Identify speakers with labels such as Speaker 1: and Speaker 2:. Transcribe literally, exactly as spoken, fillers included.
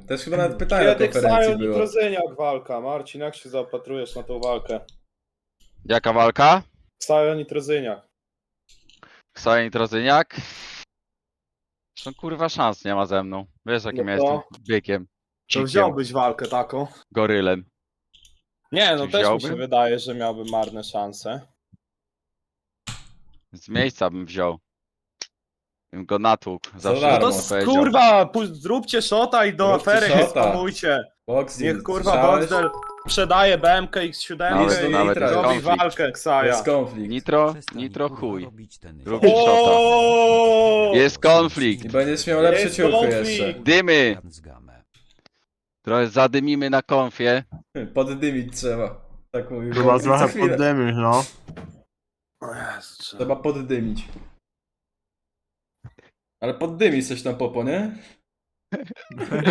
Speaker 1: Też chyba nawet pytanie na
Speaker 2: Kiedy
Speaker 1: konferencji
Speaker 2: Ksajo
Speaker 1: było.
Speaker 2: Nitrozyniak walka. Marcin, jak się zaopatrujesz na tą walkę?
Speaker 3: Jaka walka?
Speaker 2: Ksajo Nitrozyniak.
Speaker 3: Ksajo Nitrozyniak? No kurwa szans nie ma ze mną. Wiesz jakim
Speaker 2: No
Speaker 3: ja
Speaker 2: to-
Speaker 3: jestem bykiem.
Speaker 2: To
Speaker 3: Dzikiem,
Speaker 2: wziąłbyś walkę taką?
Speaker 3: gorylem.
Speaker 2: Nie, no
Speaker 3: Czy
Speaker 2: też mi
Speaker 3: wziąłbym?
Speaker 2: się wydaje, że miałby marne szanse.
Speaker 3: Z miejsca bym wziął. Bym go natłukł. Zawsze
Speaker 1: darmo.
Speaker 2: No
Speaker 3: bym
Speaker 2: to
Speaker 3: mu
Speaker 2: s-
Speaker 3: powiedział.
Speaker 2: kurwa, pu- zróbcie shota i do
Speaker 1: Zróbcie
Speaker 2: afery
Speaker 1: shota.
Speaker 2: spamujcie.
Speaker 1: Boxing,
Speaker 2: Niech kurwa
Speaker 1: słyszałeś?
Speaker 2: Boxdel sprzedaje B M K X siedem
Speaker 3: Nawet-
Speaker 2: i
Speaker 3: nawet
Speaker 1: jest
Speaker 2: robi
Speaker 3: konflikt.
Speaker 2: walkę Ksaja.
Speaker 1: Jest konflikt.
Speaker 3: Nitro,
Speaker 4: Przestań,
Speaker 3: nitro
Speaker 4: kurwa,
Speaker 3: chuj.
Speaker 4: robić ten-
Speaker 3: Robisz shota.
Speaker 2: O!
Speaker 3: Jest konflikt.
Speaker 1: I będziesz miał lepsze
Speaker 2: Jest
Speaker 1: ciuchy
Speaker 2: konflikt.
Speaker 1: jeszcze.
Speaker 3: Dymy.
Speaker 4: z gamę.
Speaker 3: Trochę zadymimy na konfie.
Speaker 1: Poddymić trzeba. Tak mówił.
Speaker 5: Chyba
Speaker 1: Boxing. Co
Speaker 5: trochę
Speaker 1: chwilę.
Speaker 5: poddymisz, no.
Speaker 2: O Jezu, trzeba-
Speaker 1: Trzeba poddymić. Ale poddymić coś tam, Popo, nie?